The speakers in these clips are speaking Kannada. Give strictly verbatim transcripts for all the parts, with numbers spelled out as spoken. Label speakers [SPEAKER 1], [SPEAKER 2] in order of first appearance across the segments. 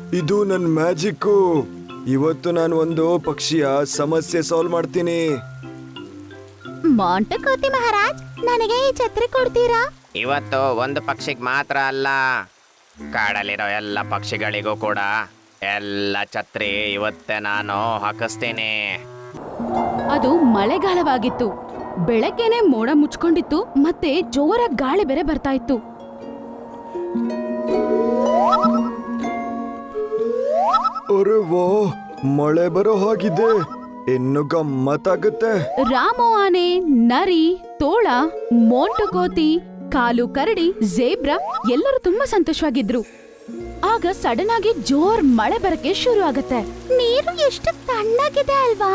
[SPEAKER 1] ಇದು ನನ್ನ ಮ್ಯಾಜಿಕ್ಕು. ಇವತ್ತು ನಾನು ಒಂದು ಪಕ್ಷಿಯ ಸಮಸ್ಯೆ ಸಾಲ್ವ್ ಮಾಡ್ತೀನಿ.
[SPEAKER 2] ಮಾಂಟು ಕೋತಿ ಮಹಾರಾಜ್, ನನಗೆ ಈ ಛತ್ರಿ ಕೊಡ್ತೀರಾ?
[SPEAKER 3] ಇವತ್ತು ಒಂದು ಪಕ್ಷಿಗೆ ಮಾತ್ರ ಅಲ್ಲ, ಕಾಡಲ್ಲಿರೋ ಎಲ್ಲ ಪಕ್ಷಿಗಳಿಗೂ ಕೂಡ ಎಲ್ಲ ಛತ್ರಿ ಇವತ್ತೇ ನಾನು ಹಾಕಿಸ್ತೀನಿ.
[SPEAKER 4] ಅದು ಮಳೆಗಾಲವಾಗಿತ್ತು. ಬೆಳಗ್ಗೆನೆ ಮೋಡ ಮುಚ್ಕೊಂಡಿತ್ತು, ಮತ್ತೆ ಜೋರಾಗಿ ಗಾಳಿ ಬೇರೆ ಬರ್ತಾ ಇತ್ತು.
[SPEAKER 1] ಅರೆ ವಾ, ಮಳೆ ಬರೋ ಹಾಗಿದೆ. ಇನ್ನು ಗಮ್ಮತ್ತಾಗುತ್ತೆ.
[SPEAKER 4] ರಾಮು ಆನೆ, ನರಿ, ತೋಳ, ಮೋಂಟು ಕೋತಿ, ಕಾಲು ಕರಡಿ, ಜೇಬ್ರಾ ಎಲ್ಲರೂ ತುಂಬಾ ಸಂತೋಷವಾಗಿದ್ರು. ಆಗ ಸಡನ್ ಆಗಿ ಜೋರ್ ಮಳೆ ಬರಕ್ಕೆ ಶುರು ಆಗತ್ತೆ.
[SPEAKER 2] ನೀರು ಎಷ್ಟು ತಣ್ಣಗಿದೆ ಅಲ್ವಾ?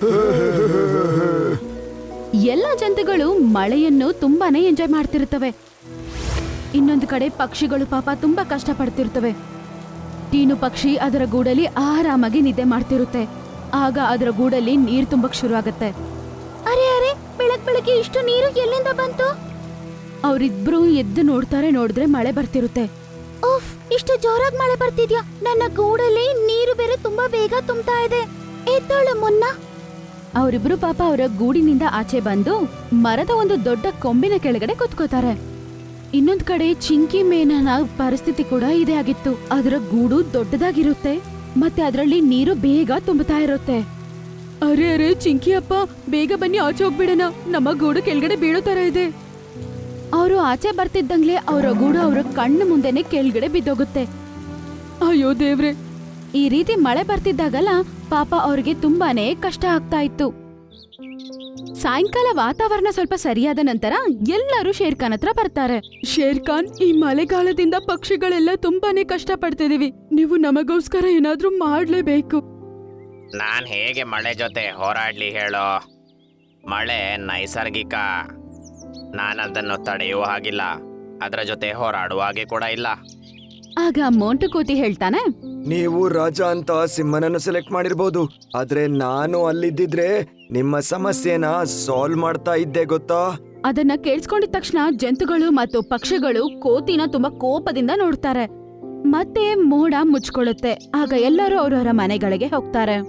[SPEAKER 4] ಎಲ್ಲ ಜಂತುಗಳು ಮಳೆಯನ್ನು ತುಂಬಾನೇ ಎಂಜಾಯ್ ಮಾಡ್ತಿರ್ತವೆ. ಇನ್ನೊಂದು ಕಡೆ ಪಕ್ಷಿಗಳು ಪಾಪ ತುಂಬಾ ಕಷ್ಟ ಪಡ್ತಿರ್ತವೆ. ಟೀನು ಪಕ್ಷಿ ಅದರ ಗೂಡಲ್ಲಿ ಆರಾಮಾಗಿ ನಿದ್ದೆ ಮಾಡ್ತಿರುತ್ತೆ. ಆಗ ಅದರ ಗೂಡಲ್ಲಿ ನೀರ್ ತುಂಬಕ್ ಶುರು ಆಗತ್ತೆ.
[SPEAKER 2] ಅರೆ ಅರೆ, ಬೆಳಗ್ ಬೆಳಗ್ಗೆ ಇಷ್ಟು ನೀರು ಎಲ್ಲಿಂದ ಬಂತು?
[SPEAKER 4] ಅವರಿಬ್ರು ಎದ್ದು ನೋಡ್ತಾರೆ. ನೋಡಿದ್ರೆ ಮಳೆ ಬರ್ತಿರುತ್ತೆ.
[SPEAKER 2] ಉಫ್, ಇಷ್ಟು ಜೋರಾಗಿ ಮಳೆ ಬರ್ತಿದ್ಯಾ? ನನ್ನ ಗೂಡಲ್ಲಿ ನೀರು ಬೇರೆ ತುಂಬಾ ಬೇಗ ತುಂಬ್ತಾ ಇದೆ. ಎದ್ದೋಳು ಮುನ್ನ.
[SPEAKER 4] ಅವರಿಬ್ರು ಪಾಪ ಅವರ ಗೂಡಿನಿಂದ ಆಚೆ ಬಂದು ಮರದ ಒಂದು ದೊಡ್ಡ ಕೊಂಬಿನ ಕೆಳಗಡೆ ಕುತ್ಕೋತಾರೆ. ಇನ್ನೊಂದ್ ಕಡೆ ಚಿಂಕಿ ಮೇನನ ಪರಿಸ್ಥಿತಿ ಕೂಡ ಇದೇ ಆಗಿತ್ತು. ಅದರ ಗೂಡು ದೊಡ್ಡದಾಗಿರುತ್ತೆ, ಮತ್ತೆ ಅದರಲ್ಲಿ ನೀರು ಬೇಗ ತುಂಬುತ್ತಾ ಇರುತ್ತೆ. ಅರೆ ಅರೆ ಚಿಂಕಿ ಅಪ್ಪ, ಬೇಗ ಬನ್ನಿ, ಆಚೆ ಹೋಗ್ಬಿಡೋಣ, ನಮ್ಮ ಗೂಡು ಕೆಳಗಡೆ ಬೀಳೋ ತರ ಇದೆ. ಅವರು ಆಚೆ ಬರ್ತಿದ್ದಂಗ್ಲೆ ಅವರ ಗೂಡು ಅವರ ಕಣ್ಣು ಮುಂದೆನೆ ಕೆಳಗಡೆ ಬಿದ್ದೋಗುತ್ತೆ. ಅಯ್ಯೋ ದೇವ್ರೆ! ಈ ರೀತಿ ಮಳೆ ಬರ್ತಿದ್ದಾಗಲ್ಲ ಪಾಪ ಅವ್ರಿಗೆ ತುಂಬಾನೇ ಕಷ್ಟ ಆಗ್ತಾ ಇತ್ತು. ಸಾಯಂಕಾಲ ವಾತಾವರಣ ಸ್ವಲ್ಪ ಸರಿಯಾದ ನಂತರ ಎಲ್ಲರೂ ಶೇರ್ಖಾನ್ ಹತ್ರ ಬರ್ತಾರೆ. ಶೇರ್ಖಾನ್, ಈ ಮಳೆಗಾಲದಿಂದ ಪಕ್ಷಿಗಳೆಲ್ಲ ತುಂಬಾನೇ ಕಷ್ಟ ಪಡ್ತಿದೀವಿ. ನೀವು ನಮಗೋಸ್ಕರ ಏನಾದ್ರೂ ಮಾಡ್ಲೇಬೇಕು.
[SPEAKER 3] ನಾನ್ ಹೇಗೆ ಮಳೆ ಜೊತೆ ಹೋರಾಡ್ಲಿ ಹೇಳೋ? ಮಳೆ ನೈಸರ್ಗಿಕ. ನಾನು ಅದನ್ನು ತಡೆಯುವ ಹಾಗಿಲ್ಲ, ಅದರ ಜೊತೆ ಹೋರಾಡುವ ಹಾಗೆ ಕೂಡ ಇಲ್ಲ.
[SPEAKER 4] ಆಗ ಮೋಂಟು ಕೋತಿ ಹೇಳ್ತಾನೆ,
[SPEAKER 1] ನೀವು ರಾಜ ಅಂತ ಸಿಂಹನನ್ನು ಸೆಲೆಕ್ಟ್ ಮಾಡಿರ್ಬೋದು, ಆದ್ರೆ ನಾನು ಅಲ್ಲಿದ್ದಿದ್ರೆ ನಿಮ್ಮ ಸಮಸ್ಯೆನ ಸಾಲ್ವ್ ಮಾಡ್ತಾ ಇದ್ದೆ ಗೊತ್ತಾ?
[SPEAKER 4] ಅದನ್ನ ಕೇಳಿಸ್ಕೊಂಡಿದ ತಕ್ಷಣ ಜಂತುಗಳು ಮತ್ತು ಪಕ್ಷಿಗಳು ಕೋತಿನ ತುಂಬಾ ಕೋಪದಿಂದ ನೋಡ್ತಾರೆ. ಮತ್ತೆ ಮೋಡ ಮುಚ್ಕೊಳ್ಳುತ್ತೆ. ಆಗ ಎಲ್ಲರೂ ಅವರವರ ಮನೆಗಳಿಗೆ ಹೋಗ್ತಾರೆ.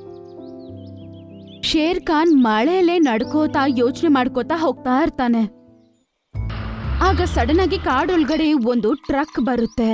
[SPEAKER 4] ಶೇರ್ ಖಾನ್ ಮಳೆಯಲ್ಲೇ ನಡ್ಕೋತಾ ಯೋಚನೆ ಮಾಡ್ಕೋತಾ ಹೋಗ್ತಾ ಇರ್ತಾನೆ. ಆಗ ಸಡನ್ ಆಗಿ ಕಾಡೊಳಗಡೆ ಒಂದು ಟ್ರಕ್ ಬರುತ್ತೆ.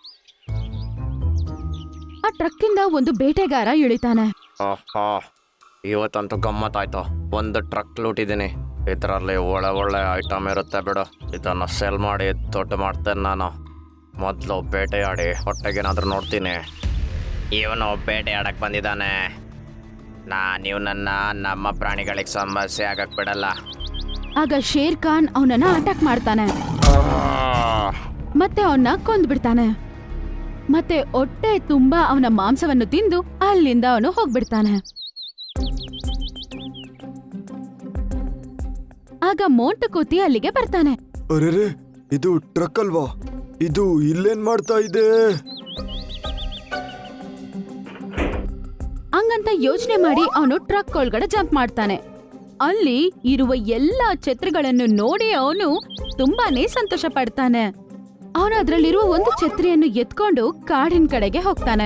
[SPEAKER 4] ಆ ಟ್ರಕ್ ಇಂದ ಒಂದು ಬೇಟೆಗಾರ ಇಳಿತಾನೆ.
[SPEAKER 3] ಓಹೋ, ಇವತ್ತಂತೂ ಗಮ್ಮತ್ತಾಯ್ತು. ಒಂದು ಟ್ರಕ್ ಲೂಟಿದ್ದೀನಿ. ಇದರಲ್ಲಿ ಒಳ್ಳೆ ಒಳ್ಳೆ ಐಟಮ್ ಇರುತ್ತೆ ಬಿಡು. ಇದನ್ನು ಸೆಲ್ ಮಾಡಿ ದೊಡ್ಡ ಮಾಡ್ತೇನೆ ನಾನು. ಮೊದಲು ಬೇಟೆಯಾಡಿ ಹೊಟ್ಟೆಗೇನಾದ್ರೂ ನೋಡ್ತೀನಿ. ಇವನು ಬೇಟೆಯಾಡಕ್ಕೆ ಬಂದಿದ್ದಾನೆ. ನಾನು ಇವನನ್ನ ನಮ್ಮ ಪ್ರಾಣಿಗಳಿಗೆ ಸಮಸ್ಯೆ ಆಗಕ್ಕೆ ಬಿಡಲ್ಲ.
[SPEAKER 4] ಆಗ ಶೇರ್ ಖಾನ್ ಅವನನ್ನ ಅಟ್ಯಾಕ್ ಮಾಡ್ತಾನೆ, ಮತ್ತೆ ಅವನ್ನ ಕೊಂದ್ಬಿಡ್ತಾನೆ. ಮತ್ತೆ ಹೊಟ್ಟೆ ತುಂಬಾ ಅವನ ಮಾಂಸವನ್ನು ತಿಂದು ಅಲ್ಲಿಂದ ಅವನು ಹೋಗ್ಬಿಡ್ತಾನೆ. ಆಗ ಮೋಂಟು ಕೋತಿ ಅಲ್ಲಿಗೆ ಬರ್ತಾನೆ.
[SPEAKER 1] ಅರೆರೆ, ಇದು ಟ್ರಕ್ ಅಲ್ವಾ? ಇದು ಇಲ್ಲೇನ್ ಮಾಡ್ತಾ ಇದೆ?
[SPEAKER 4] ಹಂಗಂತ ಯೋಚನೆ ಮಾಡಿ ಅವನು ಟ್ರಕ್ ಒಳಗಡೆ ಜಂಪ್ ಮಾಡ್ತಾನೆ. ಅಲ್ಲಿ ಇರುವ ಎಲ್ಲಾ ಛತ್ರಿಗಳನ್ನು ನೋಡಿ ಅವನು ತುಂಬಾನೇ ಸಂತೋಷ ಪಡ್ತಾನೆ. ಅವನು ಅದರಲ್ಲಿರುವ ಒಂದು ಛತ್ರಿಯನ್ನು ಎತ್ಕೊಂಡು ಕಾಡಿನ ಕಡೆಗೆ ಹೋಗ್ತಾನೆ.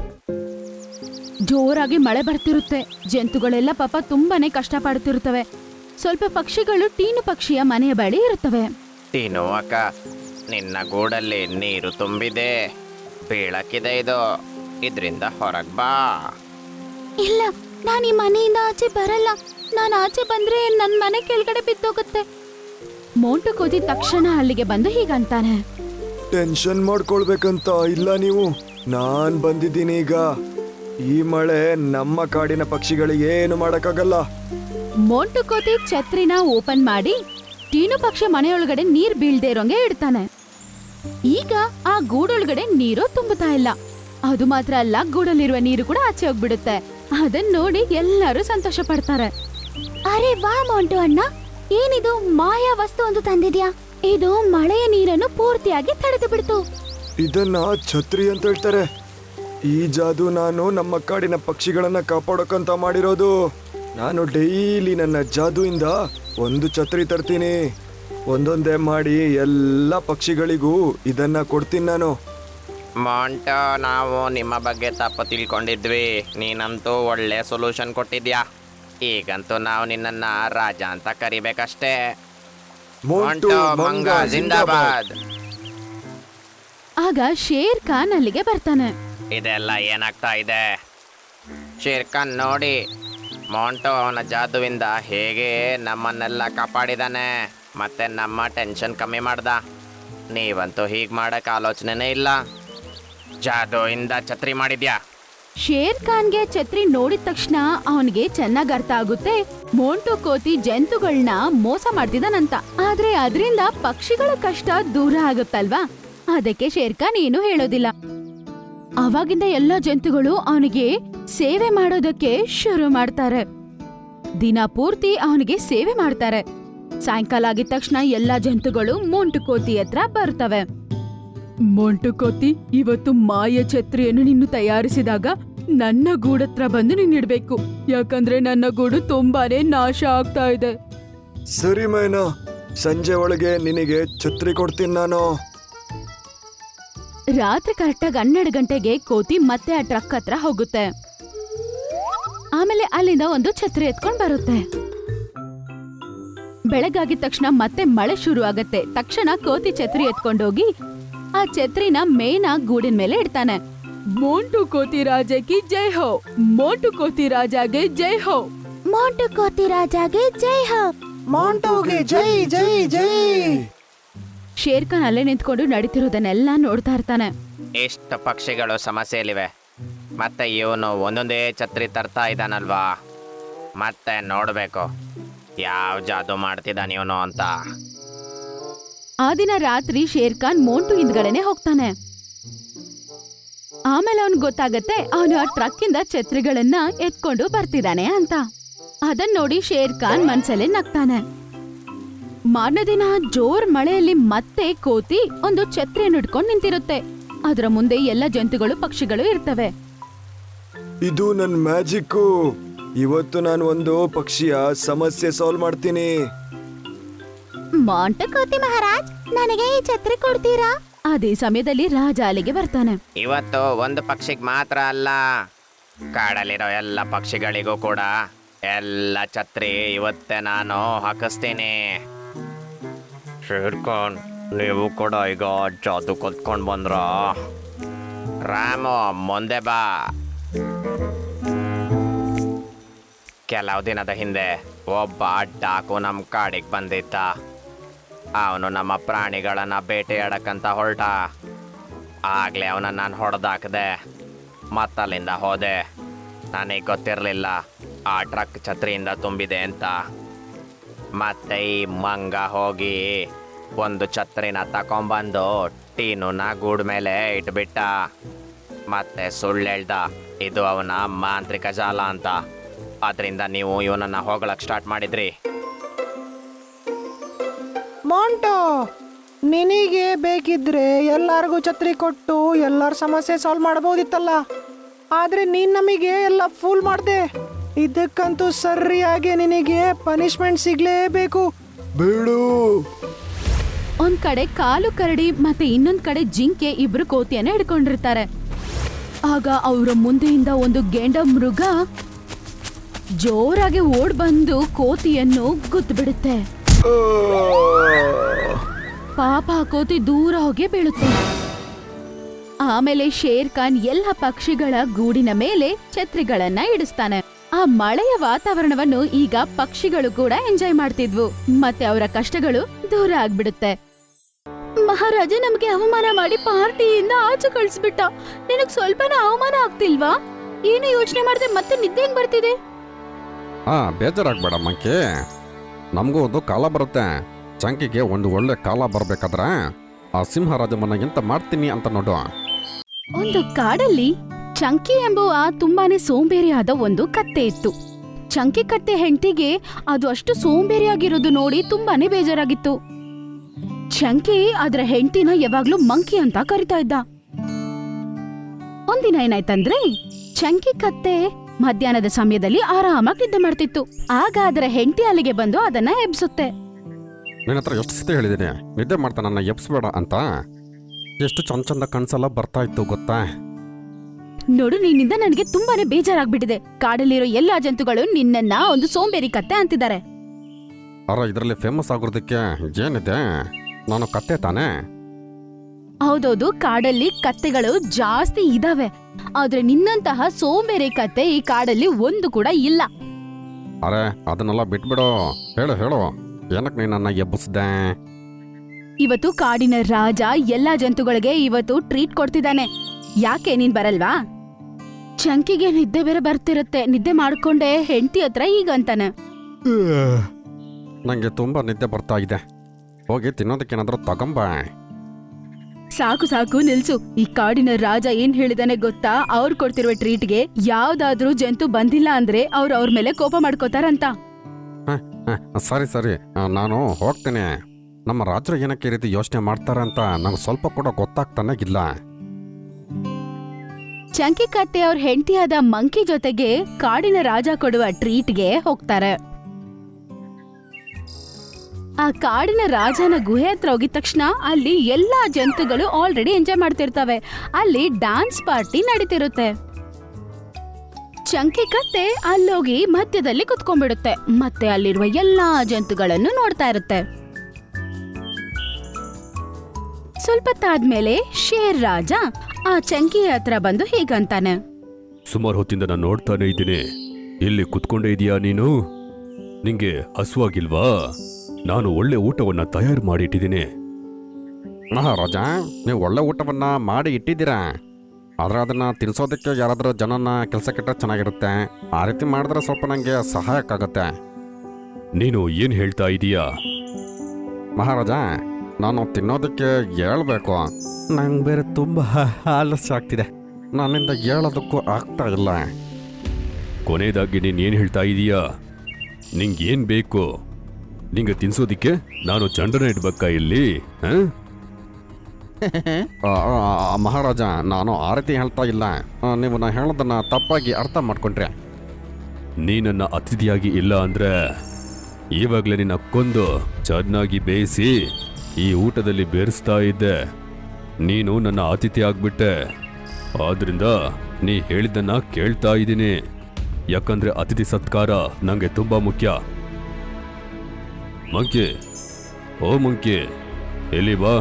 [SPEAKER 4] ಜೋರಾಗಿ ಮಳೆ ಬರ್ತಿರುತ್ತೆ. ಜಂತುಗಳೆಲ್ಲ ಪಾಪ ತುಂಬಾನೇ ಕಷ್ಟ ಪಡ್ತಿರುತ್ತವೆ. ಸ್ವಲ್ಪ ಪಕ್ಷಿಗಳು ಟೀನು ಪಕ್ಷಿಯ ಮನೆಯ ಬಳಿ ಇರುತ್ತವೆ.
[SPEAKER 3] ಟೀನು ಅಕ್ಕ, ನಿನ್ನ ಗೂಡಲ್ಲಿ ನೀರು ತುಂಬಿದೆ, ಬೀಳಕ್ಕಿದೆ. ಇದು ಇದರಿಂದ ಹೊರಗ್ ಬಾ.
[SPEAKER 2] ಇಲ್ಲ, ನಾನು ಈ ಮನೆಯಿಂದ ಆಚೆ ಬರಲ್ಲ. ನಾನು ಆಚೆ ಬಂದ್ರೆ ನನ್ ಮನೆ ಕೆಳಗಡೆ ಬಿದ್ದೋಗುತ್ತೆ.
[SPEAKER 4] ಮೋಂಟು ಕೋತಿ ತಕ್ಷಣ ಅಲ್ಲಿಗೆ ಬಂದು ಹೀಗಂತಾನೆ,
[SPEAKER 1] ಟೆನ್ಷನ್ ಮಾಡ್ಕೊಳ್ಬೇಕಂತ ಇಲ್ಲ ನೀವು. ನಾನ್ ಬಂದಿದ್ದೀನಿ ಈಗ. ಈ ಮಳೆ ನಮ್ಮ ಕಾಡಿನ ಪಕ್ಷಿಗಳಿಗೆ ಏನು ಮಾಡಕ್ಕಾಗಲ್ಲ.
[SPEAKER 4] ಮೋಂಟು ಕೋತಿ ಛತ್ರಿನ ಓಪನ್ ಮಾಡಿ ಟೀನು ಪಕ್ಷಿ ಮನೆಯೊಳಗಡೆ ನೀರ್ ಬೀಳ್ದೇ ಇರೋಂಗೆ ಇಡ್ತಾನೆ. ಈಗ ಆ ಗೂಡೊಳಗಡೆ ನೀರು ತುಂಬುತ್ತಾ ಇಲ್ಲ. ಅದು ಮಾತ್ರ ಅಲ್ಲ, ಗೂಡಲ್ಲಿರುವ ನೀರು ಕೂಡ ಆಚೆ ಹೋಗ್ಬಿಡುತ್ತೆ. ಅದನ್ನ ನೋಡಿ ಎಲ್ಲರೂ ಸಂತೋಷ ಪಡ್ತಾರೆ.
[SPEAKER 2] ಅರೆ ವಾ ಮೋಂಟು ಅಣ್ಣ, ಏನಿದು ಮಾಯಾ ವಸ್ತು ಒಂದು ತಂದಿದ್ಯಾ? ಇದು ಮಳೆಯ ನೀರನ್ನು ಪೂರ್ತಿಯಾಗಿ ತಡೆದು ಬಿಡ್ತು.
[SPEAKER 1] ಇದನ್ನ ಛತ್ರಿ ಅಂತ ಹೇಳ್ತಾರೆ. ಈ ಜಾದು ನಾನು ನಮ್ಮ ಕಾಡಿನ ಪಕ್ಷಿಗಳನ್ನ ಕಾಪಾಡೋಕಂತ ಮಾಡಿರೋದು. ನಾನು ಡೈಲಿ ನನ್ನ ಜಾದುಯಿಂದ ಒಂದು ಛತ್ರಿ ತರ್ತೀನಿ. ಒಂದೊಂದೇ ಮಾಡಿ ಎಲ್ಲ ಪಕ್ಷಿಗಳಿಗೂ ಇದನ್ನ ಕೊಡ್ತೀನಿ ನಾನು.
[SPEAKER 3] ಮಾಂಟೋ, ನಾವು ನಿಮ್ಮ ಬಗ್ಗೆ ತಪ್ಪು ತಿಳ್ಕೊಂಡಿದ್ವಿ. ನೀನಂತೂ ಒಳ್ಳೆ ಸೊಲ್ಯೂಷನ್ ಕೊಟ್ಟಿದ್ಯಾ. ಈಗಂತೂ ನಾವು ನಿನ್ನನ್ನ ರಾಜ ಅಂತ ಕರಿಬೇಕಷ್ಟೇ.
[SPEAKER 1] ಮೋಂಟು
[SPEAKER 3] ಮಾಂಟೋ
[SPEAKER 1] ಮಂಗ
[SPEAKER 3] ಮಂಗ
[SPEAKER 1] ಜಿಂದಾಬಾದ್.
[SPEAKER 3] ಜಿಂದಾಬಾದ್.
[SPEAKER 4] ಆಗ ಶೇರ್ ಖಾನ್ ಅಲ್ಲಿಗೆ ಬರ್ತಾನೆ.
[SPEAKER 3] ಇದೆಲ್ಲ ಏನಾಗ್ತಾ ಇದೆ? ಶೇರ್ ಖಾನ್ ನೋಡಿ, ಮಾಂಟೋ ಅವನ ಜಾದುವಿಂದ ಹೇಗೆ ನಮ್ಮನ್ನೆಲ್ಲ ಕಾಪಾಡಿದಾನೆ, ಮತ್ತೆ ನಮ್ಮ ಟೆನ್ಷನ್ ಕಮ್ಮಿ ಮಾಡ್ದ. ನೀವಂತೂ ಹೀಗೆ ಮಾಡಕ್ಕೆ ಆಲೋಚನೆನೇ ಇಲ್ಲ. ಜಾದುವಿಂದ ಛತ್ರಿ ಮಾಡಿದ್ಯಾ.
[SPEAKER 4] ಶೇರ್ ಖಾನ್ಗೆ ಛತ್ರಿ ನೋಡಿದ ತಕ್ಷಣ ಅವನಿಗೆ ಚೆನ್ನಾಗ್ ಅರ್ಥ ಆಗುತ್ತೆ ಮೋಂಟು ಕೋತಿ ಜಂತುಗಳನ್ನ ಮೋಸ ಮಾಡ್ತಿದ್ದಾನಂತ. ಆದ್ರೆ ಅದರಿಂದ ಪಕ್ಷಿಗಳ ಕಷ್ಟ ದೂರ ಆಗುತ್ತಲ್ವಾ, ಅದಕ್ಕೆ ಶೇರ್ ಖಾನ್ ಏನು ಹೇಳೋದಿಲ್ಲ. ಅವಾಗಿಂದ ಎಲ್ಲಾ ಜಂತುಗಳು ಅವನಿಗೆ ಸೇವೆ ಮಾಡೋದಕ್ಕೆ ಶುರು ಮಾಡ್ತಾರೆ. ದಿನ ಪೂರ್ತಿ ಅವನಿಗೆ ಸೇವೆ ಮಾಡ್ತಾರೆ. ಸಾಯಂಕಾಲ ಆಗಿದ ತಕ್ಷಣ ಎಲ್ಲಾ ಜಂತುಗಳು ಮೋಂಟು ಕೋತಿ ಹತ್ರ ಬರ್ತವೆ. ಮೋಂಟು ಕೋತಿ, ಇವತ್ತು ಮಾಯ ಛತ್ರಿಯನ್ನು ನೀನು ತಯಾರಿಸಿದಾಗ ನನ್ನ ಗೂಡತ್ರ ಬಂದು ನೀನಿಡ್ಬೇಕು, ಯಾಕಂದ್ರೆ ನನ್ನ ಗೂಡು ತುಂಬಾನೇ ನಾಶ ಆಗ್ತಾ ಇದೆ.
[SPEAKER 1] ಸರಿ ಮೈನಾ, ಸಂಜೆ ಒಳಗೆ ನಿನಗೆ ಛತ್ರಿ ಕೊಡ್ತೀನಿ ನಾನು.
[SPEAKER 4] ರಾತ್ರಿ ಕರೆಕ್ಟಾಗಿ ಹನ್ನೆರಡು ಗಂಟೆಗೆ ಕೋತಿ ಮತ್ತೆ ಆ ಟ್ರಕ್ ಹತ್ರ ಹೋಗುತ್ತೆ. ಆಮೇಲೆ ಅಲ್ಲಿಂದ ಒಂದು ಛತ್ರಿ ಎತ್ಕೊಂಡ್ ಬರುತ್ತೆ. ಬೆಳಗಾಗಿದ ತಕ್ಷಣ ಮತ್ತೆ ಮಳೆ ಶುರು ಆಗತ್ತೆ. ತಕ್ಷಣ ಕೋತಿ ಛತ್ರಿ ಎತ್ಕೊಂಡೋಗಿ ಆ ಛತ್ರಿನ ಮೇನ ಗೂಡಿನ ಮೇಲೆ ಇಡ್ತಾನೆ. ಮೋಂಟು ಕೋತಿ ರಾಜಕ್ಕೆ ಜೈ ಹೋ, ಮೋಂಟು ಕೋತಿ ರಾಜಾಗೆ ಜೈ ಹೋ,
[SPEAKER 2] ಮೋಂಟು ಕೋತಿ ರಾಜಾಗೆ ಜೈ ಹೋ.
[SPEAKER 5] ಮಾಂಟೋಗೆ ಜೈ ಜೈ ಜೈ.
[SPEAKER 4] ಶೇರ್ ಖಾನ್ ಅಲ್ಲೇ ನಿಂತ್ಕೊಂಡು ನಡೀತಿರೋದನ್ನೆಲ್ಲ ನೋಡ್ತಾ ಇರ್ತಾನೆ.
[SPEAKER 3] ಎಷ್ಟು ಪಕ್ಷಿಗಳು ಸಮಸ್ಯೆಯಲ್ಲಿವೆ, ಮತ್ತೆ ಇವನು ಒಂದೊಂದೇ ಛತ್ರಿ ತರ್ತಾ ಇದ್ದಾನಲ್ವಾ. ಮತ್ತೆ ನೋಡಬೇಕು ಯಾವ ಜಾದು ಮಾಡ್ತಿದ್ದಾನೆ ಇವನು ಅಂತ.
[SPEAKER 4] ಆ ದಿನ ರಾತ್ರಿ ಶೇರ್ ಖಾನ್ ಮೋಂಟು ಹಿಂದ್ಗಡೆನೆ ಹೋಗ್ತಾನೆ. ಆಮೇಲೆ ಅವನ್ ಗೊತ್ತಾಗತ್ತೆ ಅವನು ಆ ಟ್ರಕ್ ಇಂದ ಛತ್ರಿಗಳನ್ನ ಎತ್ಕೊಂಡು ಬರ್ತಿದ್ದಾನೆ ಅಂತ. ಅದನ್ ನೋಡಿ ಶೇರ್ ಖಾನ್ ಮನ್ಸಲ್ಲೇ ನಗ್ತಾನೆ. ಮಾರನೇ ದಿನ ಜೋರ್ ಮಳೆಯಲ್ಲಿ ಮತ್ತೆ ಕೋತಿ ಒಂದು ಛತ್ರಿಯನ್ನು ಇಟ್ಕೊಂಡು ನಿಂತಿರುತ್ತೆ. ಅದರ ಮುಂದೆ ಎಲ್ಲ ಜಂತುಗಳು ಪಕ್ಷಿಗಳು ಇರ್ತವೆ.
[SPEAKER 1] ಇದು ನನ್ನ ಮ್ಯಾಜಿಕ್ಕು. ಇವತ್ತು ನಾನು ಒಂದು ಪಕ್ಷಿಯ ಸಮಸ್ಯೆ ಸಾಲ್ವ್ ಮಾಡ್ತೀನಿ.
[SPEAKER 2] ಮೋಂಟು ಕೋತಿ ಮಹಾರಾಜ್, ನನಗೆ ಈ ಛತ್ರಿ ಕೊಡ್ತೀರಾ?
[SPEAKER 4] ಅದೇ ಸಮಯದಲ್ಲಿ ರಾಜ ಅಲ್ಲಿಗೆ ಬರ್ತಾನೆ.
[SPEAKER 3] ಇವತ್ತು ಒಂದು ಪಕ್ಷಿಗೆ ಮಾತ್ರ ಅಲ್ಲ, ಕಾಡಲ್ಲಿರೋ ಎಲ್ಲ ಪಕ್ಷಿಗಳಿಗೂ ಕೂಡ ಎಲ್ಲ ಛತ್ರಿ ಇವತ್ತೇ ನಾನು ಹಾಕಿಸ್ತೀನಿ. ಶೇರ್ ಖಾನ್, ನೀವು ಕೂಡ ಈಗ ಜಾದು ಕಲ್ತ್ಕೊಂಡು ಬಂದ್ರ? ರಾಮು, ಮುಂದೆ ಬಾ. ಕೆಲವು ದಿನದ ಹಿಂದೆ ಒಬ್ಬ ಡಾಕು ನಮ್ಮ ಕಾಡಿಗೆ ಬಂದಿದ್ದ. ಅವನು ನಮ್ಮ ಪ್ರಾಣಿಗಳನ್ನ ಬೇಟೆಯಾಡಕ್ಕಂತ ಹೊರಟ. ಆಗ್ಲೇ ಅವನ ನಾನು ಹೊಡೆದಾಕ್ದೆ, ಮತ್ತಲ್ಲಿಂದ ಹೋದೆ. ನನಗೆ ಗೊತ್ತಿರಲಿಲ್ಲ ಆ ಟ್ರಕ್ ಛತ್ರಿಯಿಂದ ತುಂಬಿದೆ ಅಂತ. ಮತ್ತೆ ಈ ಮಂಗ ಹೋಗಿ ಒಂದು ಛತ್ರಿನ ತಕೊಂಬಂದು ಟೀನುನ ಗೂಡ್ ಮೇಲೆ ಇಟ್ಬಿಟ್ಟ. ಮತ್ತೆ ಸುಳ್ಳು ಹೇಳ್ದ ಇದು ಅವನ ಮಾಂತ್ರಿಕ ಜಾಲ ಅಂತ. ಅದರಿಂದ ನೀವು ಇವನನ್ನ ಹೋಗಳಕ್ಕೆ ಸ್ಟಾರ್ಟ್ ಮಾಡಿದ್ರಿ.
[SPEAKER 5] ಮಾಂಟೋ, ನಿನಗೆ ಬೇಕಿದ್ರೆ ಎಲ್ಲರಿಗೂ ಛತ್ರಿ ಕೊಟ್ಟು ಎಲ್ಲರ ಸಮಸ್ಯೆ ಸಾಲ್ವ್ ಮಾಡಬಹುದಿತ್ತಲ್ಲ. ಆದ್ರೆ ನೀನ್ ನಮಗೆ ಎಲ್ಲ ಫೂಲ್ ಮಾಡ್ದೆ. ಇದಕ್ಕಂತೂ ಸರಿಯಾಗಿ ನಿನಗೆ ಪನಿಷ್ಮೆಂಟ್ ಸಿಗ್ಲೇಬೇಕು.
[SPEAKER 1] ಬೇಡು.
[SPEAKER 4] ಒಂದ್ ಕಡೆ ಕಾಲು ಕರಡಿ ಮತ್ತೆ ಇನ್ನೊಂದ್ ಕಡೆ ಜಿಂಕೆ ಇಬ್ರು ಕೋತಿಯನ್ನ ಹಿಡ್ಕೊಂಡಿರ್ತಾರೆ. ಆಗ ಅವರ ಮುಂದೆಯಿಂದ ಒಂದು ಗೆಂಡ ಮೃಗ ಜೋರಾಗಿ ಓಡ್ ಬಂದು ಕೋತಿಯನ್ನು ಗುದ್ದು ಬಿಡುತ್ತೆ.
[SPEAKER 1] ಆ!
[SPEAKER 4] ಪಾಪ ಆ ಕೋತಿ ದೂರ ಹೋಗಿ ಬೀಳುತ್ತೆ. ಆಮೇಲೆ ಶೇರ್ ಖಾನ್ ಎಲ್ಲ ಪಕ್ಷಿಗಳ ಗೂಡಿನ ಮೇಲೆ ಛತ್ರಿಗಳನ್ನ ಇಡಿಸ್ತಾನೆ. ಆ ಮಳೆಯ ವಾತಾವರಣವನ್ನು ಈಗ ಪಕ್ಷಿಗಳು ಕೂಡ ಎಂಜಾಯ್ ಮಾಡ್ತಿದ್ವು. ಮತ್ತೆ ಅವರ ಕಷ್ಟಗಳು ದೂರ ಆಗ್ಬಿಡುತ್ತೆ. ಮಹಾರಾಜ ನಮ್ಗೆ ಅವಮಾನ ಮಾಡಿ ಪಾರ್ಟಿಯಿಂದ ಆಚೆ ಕಳಿಸ್ಬಿಟ್ಟ. ನಿನಗ್ ಸ್ವಲ್ಪನೂ ಅವಮಾನ ಆಗ್ತಿಲ್ವಾ? ಏನು ಯೋಚನೆ ಮಾಡದೆ ಮತ್ತೆ ನಿದ್ದೆ ಹೆಂಗ್ ಬರ್ತಿದೆ?
[SPEAKER 6] ಹಾ, ಬೇಜಾರಾಗ್ಬೇಡ ಮಂಕಿ. ನಮಗೂ ಒಂದು ಕಾಲ ಬರುತ್ತೆ. ಚಂಕಿಗೆ ಒಂದು ಒಳ್ಳೆ ಕಾಲ ಬರ್ಬೇಕಾದ್ರೆ ಆ ಸಿಂಹರಾಜ ಮನೆಗಿಂತ ಮಾಡ್ತೀನಿ ಅಂತ ನೋಡು.
[SPEAKER 4] ಒಂದು ಕಾಡಲ್ಲಿ ಚಂಕಿ ಎಂಬುವ ತುಂಬಾನೇ ಸೋಂಬೇರಿಯಾದ ಒಂದು ಕತ್ತೆ ಇತ್ತು. ಚಂಕಿ ಕತ್ತೆ ಹೆಂಡತಿಗೆ ಅದು ಅಷ್ಟು ಸೋಂಬೇರಿಯಾಗಿರೋದು ನೋಡಿ ತುಂಬಾನೇ ಬೇಜಾರಾಗಿತ್ತು. ಚಂಕಿ ಅದರ ಹೆಂಡತಿನ ಯಾವಾಗ್ಲೂ ಮಂಕಿ ಅಂತ ಕರಿತಾ ಇದ್ದ. ಒಂದಿನ ಏನಾಯ್ತಂದ್ರೆ ಚಂಕಿ ಕತ್ತೆ ಮಧ್ಯಾಹ್ನದ ಸಮಯದಲ್ಲಿ ಆರಾಮಾಗಿ ನಿದ್ದೆ ಮಾಡ್ತಿತ್ತು. ಆಗ ಅದರ ಹೆಂಡತಿ ಅಲ್ಲಿಗೆ ಬಂದು ಅದನ್ನ ಎಬ್ಸುತ್ತೆ.
[SPEAKER 6] ನಿನ್ನ ಹತ್ರ ಎಷ್ಟು ಸತಿ ಹೇಳಿದ್ದೀನಿ ನಿದ್ದೆ ಮಾಡ್ತಾ ನನ್ನ ಎಬ್ಸ್ಬೇಡ ಅಂತ. ಎಷ್ಟು ಚಂದ ಚಂದ ಕನ್ಸೆಲ್ಲ ಬರ್ತಾ ಇತ್ತು ಗೊತ್ತಾ?
[SPEAKER 4] ನೋಡು, ನಿನ್ನಿಂದ ನನಗೆ ತುಂಬಾನೇ ಬೇಜಾರಾಗ್ಬಿಟ್ಟಿದೆ. ಕಾಡಲ್ಲಿರೋ ಎಲ್ಲಾ ಜಂತುಗಳು ನಿನ್ನನ್ನ ಒಂದು ಸೋಂಬೇರಿ ಕತ್ತೆ ಅಂತಿದ್ದಾರೆ.
[SPEAKER 6] ಅರ ಇದರಲ್ಲಿ ಫೇಮಸ್ ಆಗೋದಕ್ಕೆ ಏನಿದೆ? ನಾನು ಕತ್ತೆ ತಾನೇ?
[SPEAKER 4] ಹೌದೌದು, ಕಾಡಲ್ಲಿ ಕತ್ತೆಗಳು ಜಾಸ್ತಿ ಇದಾವೆ. ಆದ್ರೆ ನಿನ್ನಂತಹ ಸೋಂಬೇರಿ ಕತ್ತೆ ಈ ಕಾಡಲ್ಲಿ ಒಂದು ಕೂಡ ಇಲ್ಲ.
[SPEAKER 6] ಅರೆ ಅದನ್ನೆಲ್ಲ ಬಿಟ್ಬಿಡು. ಹೇಳು ಹೇಳು, ಏನಕ್ಕೆ ನೀನನ್ನ ಎಬ್ಬಿಸ್ದೆ?
[SPEAKER 4] ಇವತ್ತು ಕಾಡಿನ ರಾಜ ಎಲ್ಲಾ ಜಂತುಗಳಿಗೆ ಇವತ್ತು ಟ್ರೀಟ್ ಕೊಡ್ತಿದ್ದಾನೆ. ಯಾಕೆ ನೀನ್ ಬರಲ್ವಾ? ಚಂಕಿಗೆ ನಿದ್ದೆ ಬೇರೆ ಬರ್ತಿರುತ್ತೆ. ನಿದ್ದೆ ಮಾಡ್ಕೊಂಡೆ ಹೆಂಡತಿ ಹತ್ರ ಈಗ ಅಂತಾನೆ.
[SPEAKER 6] ನಂಗೆ ತುಂಬಾ ನಿದ್ದೆ ಬರ್ತಾ ಇದೆ. ಹೋಗಿ ತಿನ್ನೋದಕ್ಕೇನಾದ್ರೂ ತಗೊಂಬ.
[SPEAKER 4] ಸಾಕು ಸಾಕು ನಿಲ್ಸು. ಈ ಕಾಡಿನ ರಾಜ ಏನ್ ಹೇಳಿದಾನೆ ಗೊತ್ತಾ? ಅವ್ರು ಕೊಡ್ತಿರುವ ಟ್ರೀಟ್ಗೆ ಯಾವ್ದಾದ್ರೂ ಜಂತು ಬಂದಿಲ್ಲ ಅಂದ್ರೆ ಅವ್ರು ಅವ್ರ ಮೇಲೆ ಕೋಪ ಮಾಡ್ಕೋತಾರಂತ.
[SPEAKER 6] ಸರಿ ಸರಿ, ನಾನು ಹೋಗ್ತೇನೆ. ನಮ್ಮ ರಾಜರು ಏನಕ್ಕೆ ಈ ರೀತಿ ಯೋಚನೆ ಮಾಡ್ತಾರಂತ ನಂಗೆ ಸ್ವಲ್ಪ ಕೂಡ ಗೊತ್ತಾಗ್ತಾನೆ ಇಲ್ಲ.
[SPEAKER 4] ಚಂಕಿ ಕತ್ತೆ ಅವ್ರ ಹೆಂಡತಿಯಾದ ಮಂಕಿ ಜೊತೆಗೆ ಕಾಡಿನ ರಾಜ ಕೊಡುವ ಟ್ರೀಟ್ಗೆ ಹೋಗ್ತಾರೆ. ಆ ಕಾಡಿನ ರಾಜನ ಗುಹೆ ಹತ್ರ ಹೋಗಿದ ತಕ್ಷಣ ಅಲ್ಲಿ ಎಲ್ಲಾ ಜಂತುಗಳು ಆಲ್ರೆಡಿ ಎಂಜಾಯ್ ಮಾಡ್ತಿರ್ತವೆ. ಅಲ್ಲಿ ಡ್ಯಾನ್ಸ್ ಪಾರ್ಟಿ ನಡೀತಿರುತ್ತೆ. ಚಂಕಿ ಕತ್ತೆ ಅಲ್ಲೋಗಿ ಮಧ್ಯದಲ್ಲಿ ಕುತ್ಕೊಂಡ್ಬಿಡುತ್ತೆ. ಮತ್ತೆ ಅಲ್ಲಿರುವ ಎಲ್ಲಾ ಜಂತುಗಳನ್ನು ನೋಡ್ತಾ ಇರುತ್ತೆ. ಸ್ವಲ್ಪ ತಾದ್ಮೇಲೆ ಶೇರ್ ರಾಜ ಆ ಚಂಕಿ ಹತ್ರ ಬಂದು ಹೀಗಂತಾನೆ.
[SPEAKER 7] ಸುಮಾರು ಹೊತ್ತಿಂದ ನಾನು ನೋಡ್ತಾನೆ ಇದ್ದೀನಿ. ಇಲ್ಲಿ ಕುತ್ಕೊಂಡೇ ಇದೀಯಾ ನೀನು? ನಿಂಗೆ ಹಸುವಾಗಿಲ್ವಾ? ನಾನು ಒಳ್ಳೆ ಊಟವನ್ನ ತಯಾರು ಮಾಡಿ ಇಟ್ಟಿದ್ದೀನಿ.
[SPEAKER 6] ಮಹಾರಾಜ, ನೀವು ಒಳ್ಳೆ ಊಟವನ್ನ ಮಾಡಿ ಇಟ್ಟಿದ್ದೀರಾ. ಆದ್ರೆ ಅದನ್ನ ತಿನ್ಸೋದಕ್ಕೆ ಯಾರಾದರೂ ಜನನ ಕೆಲಸಕ್ಕಿಟ್ರೆ ಚೆನ್ನಾಗಿರುತ್ತೆ. ಆ ರೀತಿ ಮಾಡಿದ್ರೆ ಸ್ವಲ್ಪ ನನಗೆ ಸಹಾಯಕ್ಕಾಗತ್ತೆ.
[SPEAKER 7] ನೀನು ಏನ್ ಹೇಳ್ತಾ ಇದೀಯಾ?
[SPEAKER 6] ಮಹಾರಾಜ, ನಾನು ತಿನ್ನೋದಕ್ಕೆ ಹೇಳ್ಬೇಕು. ನಂಗೆ ಬೇರೆ ತುಂಬ ಆಲಸ್ಯ ಆಗ್ತಿದೆ. ನನ್ನಿಂದ ಹೇಳೋದಕ್ಕೂ ಆಗ್ತಾ ಇಲ್ಲ.
[SPEAKER 7] ಕೊನೆಯದಾಗಿ ನೀನ್ ಏನ್ ಹೇಳ್ತಾ ಇದೀಯಾ? ನಿಂಗೇನ್ ಬೇಕು? ನಿಂಗೆ ತಿನ್ಸೋದಿಕ್ಕೆ ನಾನು ಚಂಡನ ಇಡ್ಬೇಕಾ ಇಲ್ಲಿ? ಹ?
[SPEAKER 6] ಆ, ಆ, ಮಹಾರಾಜ, ನಾನು ಆ ರೀತಿ ಹೇಳ್ತಾ ಇಲ್ಲ. ಆ, ನೀವು ನಾ ಹೇಳೋದನ್ನ ತಪ್ಪಾಗಿ ಅರ್ಥ ಮಾಡ್ಕೊಂಡ್ರೆ.
[SPEAKER 7] ನೀ ನನ್ನ ಅತಿಥಿಯಾಗಿ ಇಲ್ಲ ಅಂದ್ರೆ ಇವಾಗಲೇ ನಿನ್ನ ಕೊಂದು ಚೆನ್ನಾಗಿ ಬೇಯಿಸಿ ಈ ಊಟದಲ್ಲಿ ಬೇರಿಸ್ತಾ ಇದ್ದೆ. ನೀನು ನನ್ನ ಅತಿಥಿ ಆಗ್ಬಿಟ್ಟೆ. ಆದ್ರಿಂದ ನೀ ಹೇಳಿದ್ದನ್ನ ಕೇಳ್ತಾ ಇದ್ದೀನಿ. ಯಾಕಂದ್ರೆ ಅತಿಥಿ ಸತ್ಕಾರ ನಂಗೆ ತುಂಬಾ ಮುಖ್ಯ. ಮಂಕಿ, ಓ ಮಂಕಿ, ಎಲ್ಲಿ ಬಾ.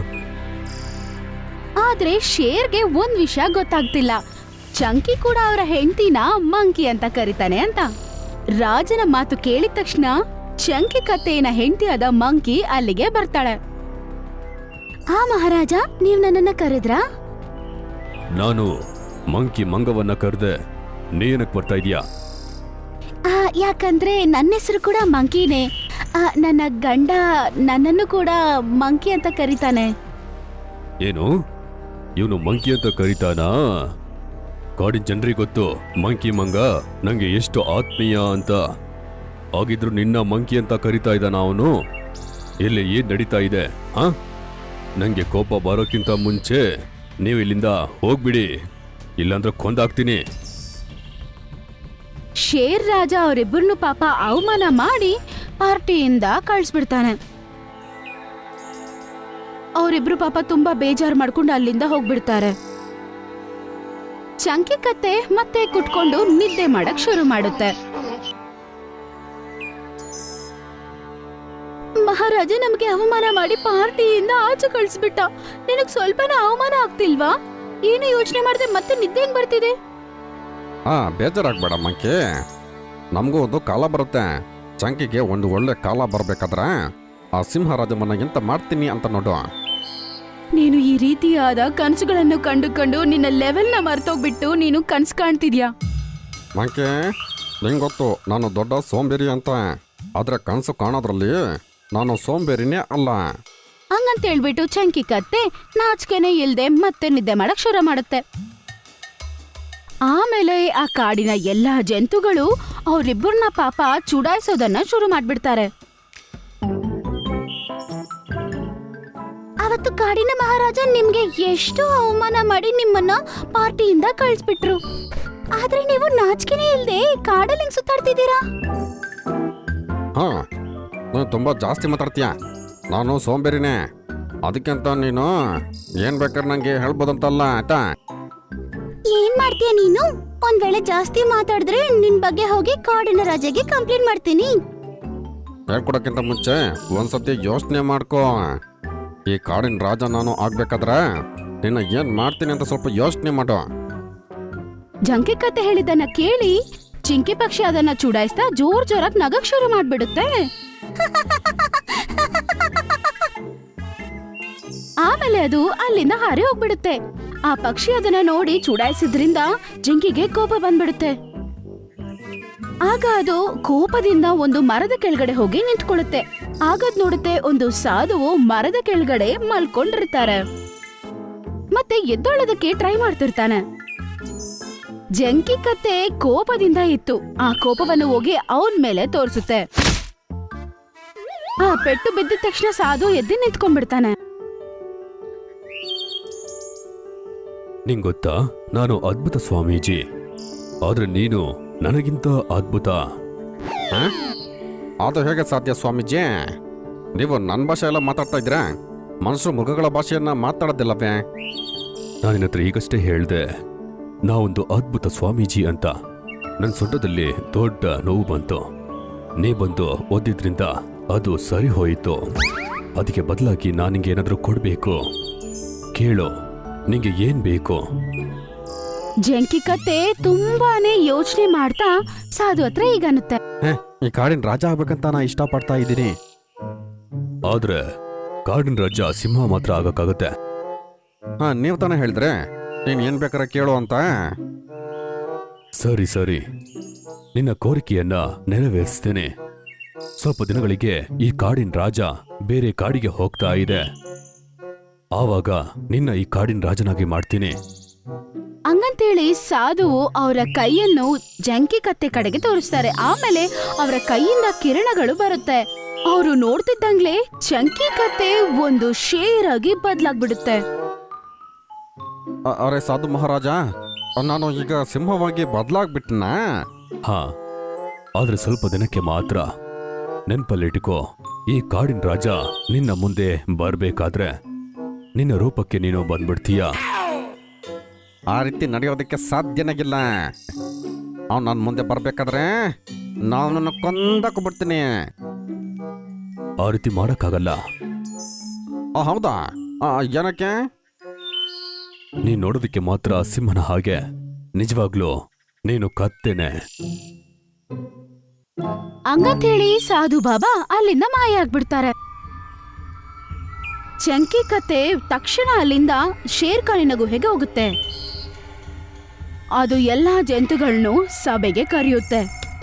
[SPEAKER 4] ಆದ್ರೆ ಶೇರ್ಗೆ ಒಂದ್ ವಿಷಯ ಗೊತ್ತಾಗ್ತಿಲ್ಲ. ಚಂಕಿ ಕೂಡ ಅವರ ಹೆಂಡತಿನ ಮಂಕಿ ಅಂತ ಕರೀತಾನೆ ಅಂತ. ರಾಜನ ಮಾತು ಕೇಳಿದ ತಕ್ಷಣ ಚಂಕಿ ಕತ್ತೆಯ ಹೆಂಡತಿಯಾದ ಮಂಕಿ ಅಲ್ಲಿಗೆ ಬರ್ತಾಳೆ.
[SPEAKER 2] ಆ ಮಹಾರಾಜ, ನೀವ್ ನನ್ನನ್ನ ಕರೆದ್ರಾ?
[SPEAKER 7] ನಾನು ಮಂಕಿ ಮಂಗವನ್ನ ಕರೆದೆ. ನೀನಕ್ ಬರ್ತಾ ಇದೀಯಾ?
[SPEAKER 2] ಆ, ಯಾಕಂದ್ರೆ ನನ್ನ ಹೆಸರು ಕೂಡ ಮಂಕಿನೇ. ಆ, ನನ್ನ ಗಂಡ ನನ್ನನ್ನು ಕೂಡ ಮಂಕಿ ಅಂತ ಕರೀತಾನೆ.
[SPEAKER 7] ಏನು, ಇವನು ಮಂಕಿ ಅಂತ ಕರೀತಾನಾ? ಕಾಡಿನ ಜನರಿಗೆ ಗೊತ್ತು ಮಂಕಿ ಮಂಗ ನಂಗೆ ಎಷ್ಟು ಆತ್ಮೀಯ ಅಂತ. ಆಗಿದ್ರು ನಿನ್ನ ಮಂಕಿ ಅಂತ ಕರೀತಾ ಇದ್ದಾನ ಅವನು? ಇಲ್ಲಿ ಏನ್ ನಡೀತಾ ಇದೆ? ಹಾ, ನಂಗೆ ಕೋಪ ಬರೋಕ್ಕಿಂತ ಮುಂಚೆ ನೀವು ಇಲ್ಲಿಂದ ಹೋಗ್ಬಿಡಿ, ಇಲ್ಲಾಂದ್ರೆ ಕೊಂದಾಕ್ತೀನಿ.
[SPEAKER 4] ಶೇರ್ ರಾಜ ಅವರಿಬ್ಬರನ್ನು ಪಾಪ ಅವಮಾನ ಮಾಡಿ ಪಾರ್ಟಿಯಿಂದ ಕಳಿಸ್ಬಿಡ್ತಾನೆ. ಅವರಿಬ್ರು ಪಾಪ ತುಂಬಾ ಬೇಜಾರು ಮಾಡ್ಕೊಂಡು ಅಲ್ಲಿಂದ ಹೋಗ್ಬಿಡ್ತಾರೆ. ಚಂಕಿ ಕತ್ತೆ ಮತ್ತೆ ಕುಟ್ಕೊಂಡು ನಿದ್ದೆ ಮಾಡಕ್ ಶುರು ಮಾಡುತ್ತೆ. ಮಹಾರಾಜ ನಮ್ಗೆ ಅವಮಾನ ಮಾಡಿ ಪಾರ್ಟಿಯಿಂದ ಆಚೆ ಕಳಿಸ್ಬಿಟ್ಟ. ನಿನಗ್ ಸ್ವಲ್ಪನ ಅವಮಾನ ಆಗ್ತಿಲ್ವಾ? ಏನು ಯೋಚನೆ ಮಾಡದೆ ಮತ್ತೆ ನಿದ್ದೆ ಹೆಂಗ್ ಬರ್ತಿದೆ?
[SPEAKER 6] ಹಾ, ಬೇಜಾರಾಗ್ಬೇಡ ಮಂಕಿ. ನಮಗೂ ಒಂದು ಕಾಲ ಬರುತ್ತೆ. ಚಂಕಿಗೆ ಒಂದು ಒಳ್ಳೆ ಕಾಲ ಬರ್ಬೇಕಾದ್ರೆ ಆ ಸಿಂಹರಾಜ ಮನೆಗಿಂತ ಮಾಡ್ತೀನಿ ಅಂತ ನೋಡು.
[SPEAKER 4] ನೀನು ಈ ರೀತಿಯಾದ ಕನಸುಗಳನ್ನು ಕಂಡುಕೊಂಡು ನಿನ್ನ ಲೆವೆಲ್ನ ಮರ್ತೋಗ್ಬಿಟ್ಟು ನೀನು ಕನ್ಸು ಕಾಣ್ತಿದ್ಯಾ?
[SPEAKER 6] ಮಂಕಿ, ನಿಂಗೆ ಗೊತ್ತು ನಾನು ದೊಡ್ಡ ಸೋಂಬೇರಿ ಅಂತ. ಆದ್ರೆ ಕನಸು ಕಾಣೋದ್ರಲ್ಲಿ ನಾನು ಸೋಂಬೇರಿನೇ ಅಲ್ಲ.
[SPEAKER 4] ಹಂಗಂತ ಹೇಳ್ಬಿಟ್ಟು ಚಂಕಿ ಕತ್ತೆ ನಾಚಿಕೆನೆ ಇಲ್ದೆ ಮತ್ತೆ ನಿದ್ದೆ ಮಾಡಕ್ ಶುರು ಮಾಡುತ್ತೆ. ಆಮೇಲೆ ಆ ಕಾಡಿನ ಎಲ್ಲಾ ಜಂತುಗಳು ಅವ್ರಿಬ್ಬರನ್ನ ಪಾಪ ಚುಡಾಯಿಸೋದನ್ನ ಶುರು ಮಾಡ್ಬಿಡ್ತಾರೆ.
[SPEAKER 2] ಅವತ್ತು ಕಾಡಿನ ಮಹಾರಾಜ ನಿಮ್ಗೆ ಎಷ್ಟು ಅವಮಾನ ಮಾಡಿ ನಿಮ್ಮನ್ನ ಪಾರ್ಟಿಯಿಂದ ಕಳಿಸ್ಬಿಟ್ರು. ಆದ್ರೆ ನೀವು ನಾಚಿಕೆನೇ ಇಲ್ದೆ ಕಾಡಲ್ಲಿ ಹಿಂಗ್ ಸುತ್ತಾಡ್ತಿದ್ದೀರಾ.
[SPEAKER 6] ಹಾ, ನೀನು ತುಂಬ ಜಾಸ್ತಿ ಮಾತಾಡ್ತೀಯ. ನಾನು ಸೋಂಬೇರಿನೇ. ಅದಕ್ಕಿಂತ ನೀನು ಏನ್ ಬೇಕಾದ್ರೆ ನಂಗೆ ಹೇಳ್ಬೋದಂತಲ್ಲ ಆಯ್ತಾ?
[SPEAKER 2] ಏನ್ ಮಾಡ್ತೀಯ ನೀನು? ಒಂದ್ ವೇಳೆ ಜಾಸ್ತಿ ಮಾತಾಡಿದ್ರೆ ನಿನ್ ಬಗ್ಗೆ ಹೋಗಿ ಕಾಡಿನ ರಾಜಾಗೆ ಕಂಪ್ಲೇಂಟ್ ಮಾಡ್ತೀನಿ.
[SPEAKER 6] ಹೇಳ್ಕೊಡಕ್ಕಿಂತ ಮುಂಚೆ ಒಂದ್ಸತಿ ಯೋಚನೆ ಮಾಡ್ಕೋ. ಈ ಕಾಡಿನ ರಾಜ ನಾನು ಆಗ್ಬೇಕಾದ್ರೆ ನಿನ್ನ ಏನ್ ಮಾಡ್ತೀನಿ ಅಂತ ಸ್ವಲ್ಪ ಯೋಚನೆ ಮಾಡು.
[SPEAKER 4] ಜಂಕೆ ಕತೆ ಹೇಳಿದ್ದನ್ನ ಕೇಳಿ ಚಿಂಕಿ ಪಕ್ಷಿ ಅದನ್ನ ಚುಡಾಯಿಸ್ತಾ ಜೋರ್ ಜೋರಾಗಿ ನಗಕ್ ಶುರು ಮಾಡ್ಬಿಡುತ್ತೆ. ಆಮೇಲೆ ಅದು ಅಲ್ಲಿಂದ ಹಾರಿ ಹೋಗ್ಬಿಡುತ್ತೆ. ಆ ಪಕ್ಷಿ ಅದನ್ನ ನೋಡಿ ಚುಡಾಯಿಸಿದ್ರಿಂದ ಜಿಂಕಿಗೆ ಕೋಪ ಬಂದ್ಬಿಡುತ್ತೆ. ಆಗ ಅದು ಕೋಪದಿಂದ ಒಂದು ಮರದ ಕೆಳಗಡೆ ಹೋಗಿ ನಿಂತ್ಕೊಳ್ಳುತ್ತೆ. ಆಗದ್ ನೋಡುತ್ತೆ ಒಂದು ಸಾಧುವು ಮರದ ಕೆಳಗಡೆ ಮಲ್ಕೊಂಡಿರ್ತಾರೆ ಮತ್ತೆ ಎದ್ದೊಳ್ಳೋದಕ್ಕೆ ಟ್ರೈ ಮಾಡ್ತಿರ್ತಾನೆ. ಜಂಕಿ ಕತ್ತೆ ಕೋಪದಿಂದ ಇತ್ತು. ಆ ಕೋಪವನ್ನು ಹೋಗಿ ಅವನ್ ಮೇಲೆ ತೋರಿಸುತ್ತೆ. ಆ ಪೆಟ್ಟು ಬಿದ್ದ ತಕ್ಷಣ ಸಾಧು ಎದ್ದು ನಿಂತ್ಕೊಂಡ್ಬಿಡ್ತಾನೆ.
[SPEAKER 7] ನಿಂಗ್ ಗೊತ್ತಾ, ನಾನು ಅದ್ಭುತ ಸ್ವಾಮೀಜಿ, ಆದ್ರೆ ನೀನು ನನಗಿಂತ ಅದ್ಭುತ.
[SPEAKER 6] ಹ? ಅದು ಹೇಗೆ ಸಾಧ್ಯ ಸ್ವಾಮೀಜಿ? ನೀವು ನನ್ನ ಭಾಷೆ ಎಲ್ಲ ಮಾತಾಡ್ತಾ ಇದ್ದೀರಾ? ಮನುಷ್ಯರು ಮೃಗಗಳ ಭಾಷೆಯನ್ನ ಮಾತಾಡೋದಿಲ್ಲವೇ?
[SPEAKER 7] ನಾನು ನಿನ್ನ ಹತ್ರ ಈಗಷ್ಟೇ ಹೇಳ್ದೆ ನಾವೊಂದು ಅದ್ಭುತ ಸ್ವಾಮೀಜಿ ಅಂತ. ನನ್ನ ಸೊಂಟದಲ್ಲಿ ದೊಡ್ಡ ನೋವು ಬಂತು. ನೀ ಬಂದು ಓದಿದ್ರಿಂದ ಅದು ಸರಿ ಹೋಯಿತು. ಅದಕ್ಕೆ ಬದಲಾಗಿ ನಾನು ನಿಂಗೆ ಏನಾದರೂ ಕೊಡಬೇಕು. ಕೇಳು, ನಿಂಗೆ ಏನ್ ಬೇಕು?
[SPEAKER 4] ಜಂಕಿ ಕತ್ತೆ ತುಂಬಾನೇ ಯೋಚನೆ ಮಾಡ್ತಾ ಸಾಧು ಹತ್ರ ಈಗ ಅನ್ನುತ್ತೆ.
[SPEAKER 6] ಹೇ, ಈ ಕಾಡಿನ ರಾಜ ಆಗ್ಬೇಕಂತ ನಾ ಇಷ್ಟಪಡ್ತಾ ಇದ್ದೀನಿ.
[SPEAKER 7] ಆದ್ರೆ ಕಾಡಿನ ರಾಜ ಸಿಂಹ ಮಾತ್ರ ಆಗಕ್ಕಾಗತ್ತೆ.
[SPEAKER 6] ಹಾ, ನೀವು ತಾನೇ ಹೇಳಿದ್ರೆ ನೀನ್ ಏನ್ ಬೇಕಾರೆ ಕೇಳು ಅಂತ.
[SPEAKER 7] ಸರಿ ಸರಿ, ನಿನ್ನ ಕೋರಿಕೆಯನ್ನ ನೆರವೇರಿಸ್ತೇನೆ. ಸ್ವಲ್ಪ ದಿನಗಳಿಗೆ ಈ ಕಾಡಿನ ರಾಜ ಬೇರೆ ಕಾಡಿಗೆ ಹೋಗ್ತಾ ಇದೆ. ಆವಾಗ ನಿನ್ನ ಈ ಕಾಡಿನ ರಾಜನಾಗಿ ಮಾಡ್ತೀನಿ.
[SPEAKER 4] ಹಂಗಂತೇಳಿ ಸಾಧುವು ಅವರ ಕೈಯನ್ನು ಜಂಕಿ ಕತ್ತೆ ಕಡೆಗೆ ತೋರಿಸ್ತಾರೆ. ಆಮೇಲೆ ಅವರ ಕೈಯಿಂದ ಕಿರಣಗಳು ಬರುತ್ತೆ. ಅವರು ನೋಡ್ತಿದ್ದಂಗ್ಲೆ ಜಂಕಿ ಕತ್ತೆ ಒಂದು ಶೇರ್ ಆಗಿ ಬದ್ಲಾಗ್ಬಿಡುತ್ತೆ.
[SPEAKER 6] ಅ- ಅರೆ ಸಾಧು ಮಹಾರಾಜ, ನಾನು ಈಗ ಸಿಂಹವಾಗಿ ಬದಲಾಗ್ಬಿಟ್ನಾ?
[SPEAKER 7] ಹಾ, ಆದ್ರೆ ಸ್ವಲ್ಪ ದಿನಕ್ಕೆ ಮಾತ್ರ. ನೆನ್ಪಲ್ಲಿಟ್ಕೋ, ಈ ಕಾಡಿನ ರಾಜ ನಿನ್ನ ಮುಂದೆ ಬರ್ಬೇಕಾದ್ರೆ ನಿನ್ನ ರೂಪಕ್ಕೆ ನೀನು ಬಂದ್ಬಿಡ್ತೀಯ.
[SPEAKER 6] ಆ ರೀತಿ ನಡೆಯೋದಕ್ಕೆ ಸಾಧ್ಯನಾಗಿಲ್ಲ. ಅವ್ನು ನನ್ನ ಮುಂದೆ ಬರ್ಬೇಕಾದ್ರೆ ನಾನು ಕೊಂದಕ್ಕೆ ಬಿಡ್ತೀನಿ.
[SPEAKER 7] ಆ ರೀತಿ ಮಾಡಕ್ಕಾಗಲ್ಲ.
[SPEAKER 6] ಆ, ಹೌದಾ? ಆ, ಏನಕ್ಕೆ?
[SPEAKER 7] ನೀನ್ ನೋಡೋದಕ್ಕೆ ಮಾತ್ರ ಸಿಂಹನ ಹಾಗೆ, ನಿಜವಾಗ್ಲೂ ನೀನು ಕತ್ತೇನೆ.
[SPEAKER 4] ಹಂಗಂತೇಳಿ ಸಾಧು ಬಾಬಾ ಅಲ್ಲಿಂದ ಮಾಯ ಆಗ್ಬಿಡ್ತಾರೆ. ಚಂಕಿ ಕತ್ತೆ ತಕ್ಷಣ ಅಲ್ಲಿಂದ ಶೇರ್ಖಾನಿನ ಗುಹೆಗೆ ಹೋಗುತ್ತೆ. ಅದು ಎಲ್ಲಾ ಜಂತುಗಳನ್ನು ಸಭೆಗೆ ಕರೆಯುತ್ತೆ.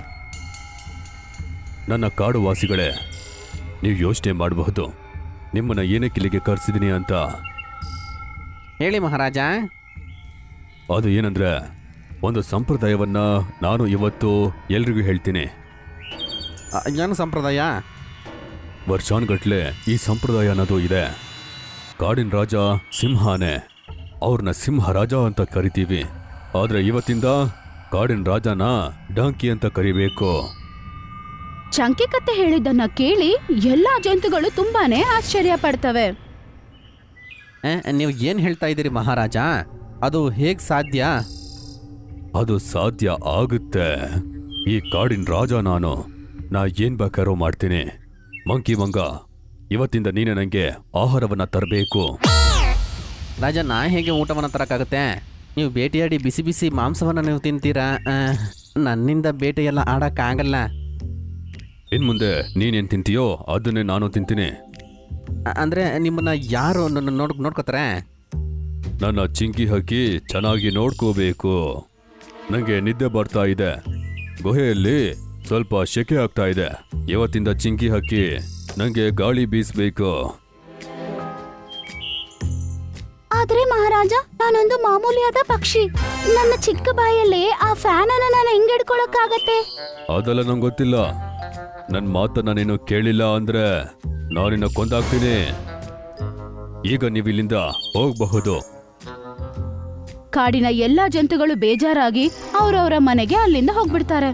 [SPEAKER 7] ನನ್ನ ಕಾಡು ವಾಸಿಗಳೇ, ನೀವು ಯೋಚನೆ ಮಾಡಬಹುದು ನಿಮ್ಮನ್ನ ಏನಕ್ಕೆ ಇಲ್ಲಿಗೆ ಕರೆಸಿದೀನಿ ಅಂತ.
[SPEAKER 6] ಹೇಳಿ ಮಹಾರಾಜ.
[SPEAKER 7] ಅದು ಏನಂದ್ರೆ, ಒಂದು ಸಂಪ್ರದಾಯವನ್ನ ನಾನು ಇವತ್ತು ಎಲ್ರಿಗೂ ಹೇಳ್ತೀನಿ.
[SPEAKER 6] ಆ, ಏನು ಸಂಪ್ರದಾಯ?
[SPEAKER 7] ವರ್ಷಾನ್ಗಟ್ಲೆ ಈ ಸಂಪ್ರದಾಯ ಅನ್ನೋದು ಇದೆ. ಕಾಡಿನ ರಾಜ ಸಿಂಹನೇ, ಅವ್ರನ್ನ ಸಿಂಹ ರಾಜ ಅಂತ ಕರಿತೀವಿ. ಆದ್ರೆ ಇವತ್ತಿಂದ ಕಾಡಿನ ರಾಜನ ಡಾಂಕಿ ಅಂತ ಕರಿಬೇಕು.
[SPEAKER 4] ಚಂಕಿ ಕತ್ತೆ ಹೇಳಿದ್ದನ್ನ ಕೇಳಿ ಎಲ್ಲಾ ಜಂತುಗಳು ತುಂಬಾನೇ ಆಶ್ಚರ್ಯ ಪಡ್ತವೆ.
[SPEAKER 6] ನೀವು ಏನು ಹೇಳ್ತಾ ಇದ್ದೀರಿ ಮಹಾರಾಜ? ಅದು ಹೇಗೆ ಸಾಧ್ಯ?
[SPEAKER 7] ಅದು ಸಾಧ್ಯ ಆಗುತ್ತೆ. ಈ ಕಾಡಿನ ರಾಜ ನಾನು. ನಾ ಏನ್ ಬೇಕಾರೋ ಮಾಡ್ತೀನಿ. ಮಂಕಿ ಮಂಗ, ಇವತ್ತಿಂದ ನೀನೆ ನಂಗೆ ಆಹಾರವನ್ನ ತರಬೇಕು.
[SPEAKER 8] ರಾಜ, ನಾ ಹೇಗೆ ಊಟವನ್ನು ತರಕ್ಕಾಗುತ್ತೆ? ನೀವು ಬೇಟೆಯಾಡಿ ಬಿಸಿ ಬಿಸಿ ಮಾಂಸವನ್ನು ನೀವು ತಿಂತೀರಾ? ಆ, ನನ್ನಿಂದ ಬೇಟೆಯೆಲ್ಲ ಆಡಕ್ಕಾಗಲ್ಲ.
[SPEAKER 7] ಇನ್ ಮುಂದೆ ನೀನೇನ್ ತಿಂತೀಯೋ ಅದನ್ನೇ ನಾನು ತಿಂತೀನಿ.
[SPEAKER 8] ಅ- ಅಂದ್ರೆ ನಿಮ್ಮನ್ನ ಯಾರು ನನ್ನ ನೋಡ್ ನೋಡ್ಕೋತಾರೆ?
[SPEAKER 7] ನನ್ನ ಚಿಂಕಿ ಹಕ್ಕಿ ಚೆನ್ನಾಗಿ ನೋಡ್ಕೋಬೇಕು. ನಂಗೆ ನಿದ್ದೆ ಬರ್ತಾ ಇದೆ. ಗುಹೆಯಲ್ಲಿ ಸ್ವಲ್ಪ ಶೆಕೆ ಆಗ್ತಾ ಇದೆ. ಇವತ್ತಿಂದ ಚಿಂಕಿ ಹಕ್ಕಿ ನಂಗೆ ಗಾಳಿ ಬೀಸ್ಬೇಕು.
[SPEAKER 2] ಆದ್ರೆ ಮಹಾರಾಜ, ನಾನೊಂದು ಮಾಮೂಲಿಯಾದ ಪಕ್ಷಿ. ನನ್ನ ಚಿಕ್ಕ ಬಾಯಲ್ಲೇ ಆ ಫ್ಯಾನ್ ಅನ್ನ ನಾನು ಹೆಂಗ್ ಹಿಡ್ಕೊಳಕ್ಕಾಗತ್ತೆ?
[SPEAKER 7] ಅದೆಲ್ಲ ನಂಗೆ ಗೊತ್ತಿಲ್ಲ. ನನ್ನ ಮಾತನ್ನ ನೀನು ಕೇಳಿಲ್ಲ ಅಂದ್ರೆ ನಾನಿನ್ನ ಕೊಂದಾಗ್ತೀನಿ. ಈಗ ನೀವಿಲ್ಲಿಂದ ಹೋಗಬಹುದು.
[SPEAKER 4] ಕಾಡಿನ ಎಲ್ಲಾ ಜಂತುಗಳು ಬೇಜಾರಾಗಿ ಅವರವರ ಮನೆಗೆ ಅಲ್ಲಿಂದ ಹೋಗ್ಬಿಡ್ತಾರೆ.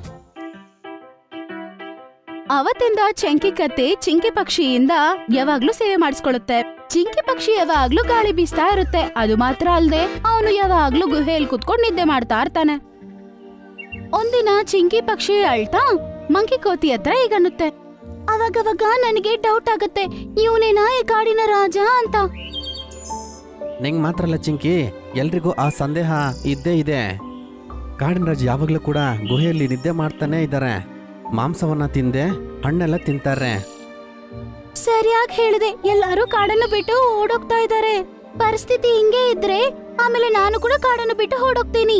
[SPEAKER 4] ಅವತ್ತಿಂದ ಚಂಕಿ ಕತ್ತೆ ಚಿಂಕಿ ಪಕ್ಷಿಯಿಂದ ಯಾವಾಗ್ಲೂ ಸೇವೆ ಮಾಡಿಸ್ಕೊಳ್ಳುತ್ತೆ. ಚಿಂಕಿ ಪಕ್ಷಿ ಯಾವಾಗ್ಲೂ ಗಾಳಿ ಬೀಸ್ತಾ ಇರುತ್ತೆ. ಅದು ಮಾತ್ರ ಅಲ್ದೆ ಅವನು ಯಾವಾಗ್ಲೂ ಗುಹೆಯಲ್ಲಿ ಕುತ್ಕೊಂಡು ನಿದ್ದೆ ಮಾಡ್ತಾ ಇರ್ತಾನೆ. ಒಂದಿನ ಚಿಂಕಿ ಪಕ್ಷಿ ಅಳ್ತಾ ಮಂಕಿ ಕೋತಿ ಹತ್ರ ಈಗನ್ನುತ್ತೆ, ಅವಾಗವಾಗ ನನಗೆ ಡೌಟ್ ಆಗತ್ತೆ, ಇವನೇನಾ ಈ ಕಾಡಿನ ರಾಜ ಅಂತ.
[SPEAKER 8] ನಿಂಗೆ ಮಾತ್ರ ಅಲ್ಲ ಚಿಂಕಿ, ಎಲ್ರಿಗೂ ಆ ಸಂದೇಹ ಇದ್ದೇ ಇದೆ. ಕಾಡಿನ ರಾಜ ಯಾವಾಗಲೂ ಕೂಡ ಗುಹೆಯಲ್ಲಿ ನಿದ್ದೆ ಮಾಡ್ತಾನೆ ಇದ್ದಾರೆ. ಮಾಂಸವನ್ನ ತಿಂದೆ ಹಣ್ಣೆಲ್ಲ ತಿಂತಾರೆ.
[SPEAKER 2] ಸರಿಯಾಗಿ ಹೇಳಿದೆ, ಎಲ್ಲರೂ ಕಾಡನ್ನು ಬಿಟ್ಟು ಓಡೋಗ್ತಾ ಇದ್ದಾರೆ. ಪರಿಸ್ಥಿತಿ ಹಿಂಗೆ ಇದ್ರೆ ಆಮೇಲೆ ನಾನು ಕೂಡ ಕಾಡನ್ನು ಬಿಟ್ಟು ಓಡೋಗ್ತೀನಿ.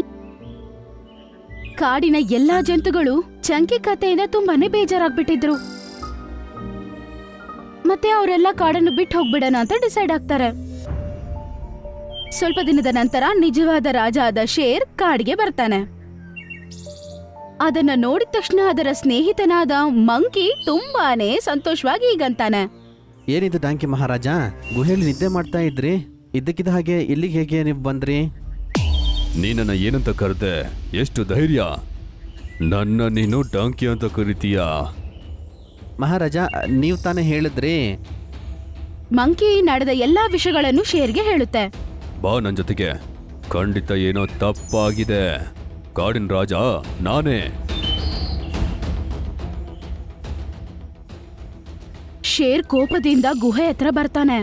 [SPEAKER 4] ಕಾಡಿನ ಎಲ್ಲಾ ಜಂತುಗಳು ಚಂಕಿ ಕಥೆಯಿಂದ ತುಂಬಾನೇ ಬೇಜಾರಾಗ್ಬಿಟ್ಟಿದ್ರು. ಮತ್ತೆ ಅವರೆಲ್ಲ ಕಾಡನ್ನು ಬಿಟ್ಟು ಹೋಗ್ಬಿಡೋಣ ಅಂತ ಡಿಸೈಡ್ ಆಗ್ತಾರೆ. ಸ್ವಲ್ಪ ದಿನದ ನಂತರ ನಿಜವಾದ ರಾಜ ಆದ ಶೇರ್ ಕಾಡಿಗೆ ಬರ್ತಾನೆ. ಅದನ್ನ ನೋಡಿದ ತಕ್ಷಣ ಅದರ ಸ್ನೇಹಿತನಾದ ಮಂಕಿ ತುಂಬಾನೇ ಸಂತೋಷವಾಗಿ ಈಗಂತಾನೆ,
[SPEAKER 8] ಏನಿದು ಡಾಂಕಿ ಮಹಾರಾಜ, ಗುಹೆಯಲ್ಲಿ ನಿದ್ದೆ ಮಾಡ್ತಾ ಇದ್ರಿ, ಇದ್ದಕ್ಕಿದ್ದ ಹಾಗೆ ಇಲ್ಲಿಗೆ ಹೇಗೆ ನೀವು ಬಂದ್ರಿ?
[SPEAKER 7] ನೀನನ್ನ ಏನಂತ ಕರೆದೆ? ಎಷ್ಟು ಧೈರ್ಯ! ನನ್ನ ನೀನು ಡಾಂಕಿ ಅಂತ ಕರಿತೀಯಾ?
[SPEAKER 8] ಮಹಾರಾಜ, ನೀವು ತಾನೇ ಹೇಳಿದ್ರಿ.
[SPEAKER 4] ಮಂಕಿ ನಡೆದ ಎಲ್ಲಾ ವಿಷಯಗಳನ್ನು ಶೇರ್ಗೆ ಹೇಳುತ್ತೆ.
[SPEAKER 7] ಬಾ ನನ್ ಜೊತೆಗೆ. ಖಂಡಿತ ಏನೋ ತಪ್ಪಾಗಿದೆ. ಕಾಡಿನ ರಾಜ ನಾನೇ.
[SPEAKER 4] ಶೇರ್ ಕೋಪದಿಂದ ಗುಹೆ ಹತ್ರ ಬರ್ತಾನೆ.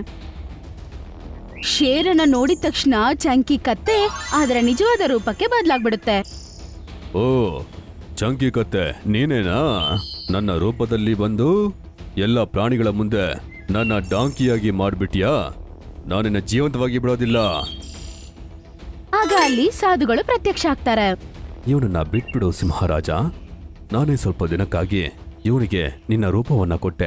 [SPEAKER 4] ಶೇರನ್ನ ನೋಡಿದ ತಕ್ಷಣ ಚಂಕಿ ಕತ್ತೆ ಅದರ ನಿಜವಾದ ರೂಪಕ್ಕೆ ಬದಲಾಗ್ಬಿಡುತ್ತೆ.
[SPEAKER 7] ಓ, ಚಂಕಿ ಕತ್ತೆ ನೀನೇನಾ? ನನ್ನ ರೂಪದಲ್ಲಿ ಬಂದು ಎಲ್ಲ ಪ್ರಾಣಿಗಳ ಮುಂದೆ ನನ್ನ ಡಾಂಕಿಯಾಗಿ ಮಾಡ್ಬಿಟ್ಯಾ? ನಾನಿನ್ನ ಜೀವಂತವಾಗಿ ಬಿಡೋದಿಲ್ಲ.
[SPEAKER 4] ಆಗ ಅಲ್ಲಿ ಸಾಧುಗಳು ಪ್ರತ್ಯಕ್ಷ ಆಗ್ತಾರೆ.
[SPEAKER 7] ಇವನನ್ನ ಬಿಟ್ಬಿಡು ಸಿಂಹರಾಜ. ನಾನೇ ಸ್ವಲ್ಪ ದಿನಕ್ಕಾಗಿ ಇವನಿಗೆ ನಿನ್ನ ರೂಪವನ್ನ ಕೊಟ್ಟೆ.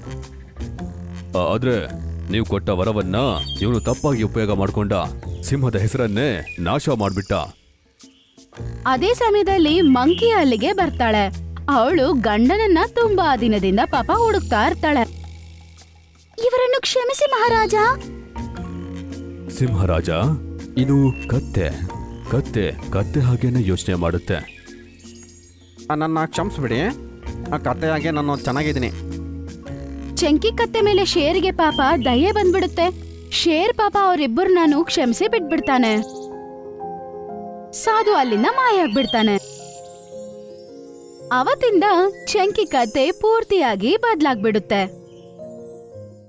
[SPEAKER 7] ಆದ್ರೆ ನೀವು ಕೊಟ್ಟ ವರವನ್ನ ಇವನು ತಪ್ಪಾಗಿ ಉಪಯೋಗ ಮಾಡ್ಕೊಂಡ. ಸಿಂಹದ ಹೆಸರನ್ನೇ ನಾಶ ಮಾಡ್ಬಿಟ್ಟ.
[SPEAKER 4] ಅದೇ ಸಮಯದಲ್ಲಿ ಮಂಕಿ ಅಲ್ಲಿಗೆ ಬರ್ತಾಳೆ. ಅವಳು ಗಂಡನನ್ನ ತುಂಬಾ ದಿನದಿಂದ ಪಾಪ ಹುಡುಕ್ತಾ ಇರ್ತಾಳೆ.
[SPEAKER 2] ಇವರನ್ನು ಕ್ಷಮಿಸಿ ಮಹಾರಾಜ.
[SPEAKER 7] ಸಿಂಹರಾಜ, ಇದು ಕತ್ತೆ. ಕತ್ತೆ ಕತ್ತೆ ಹಾಗೇನೆ ಯೋಚನೆ ಮಾಡುತ್ತೆ.
[SPEAKER 8] ಆ, ನನ್ನ ಕ್ಷಮಿಸ್ಬಿಡಿ, ಆ ಕಥೆಯಾಗೆ ನಾನು ಚೆನ್ನಾಗಿದ್ದೀನಿ.
[SPEAKER 4] ಚಂಕಿ ಕತ್ತೆ ಮೇಲೆ ಶೇರ್ಗೆ ಪಾಪ ದಯೆ ಬಂದ್ಬಿಡುತ್ತೆ. ಶೇರ್ ಪಾಪ ಅವರಿಬ್ಬರನ್ನೂ ಕ್ಷಮಿಸಿ ಬಿಟ್ಬಿಡ್ತಾನೆ. ಸಾಧು ಅಲ್ಲಿಂದ ಮಾಯ ಆಗ್ಬಿಡ್ತಾನೆ. ಅವತ್ತಿಂದ ಚಂಕಿ ಕತೆ ಪೂರ್ತಿಯಾಗಿ ಬದ್ಲಾಗ್ಬಿಡುತ್ತೆ.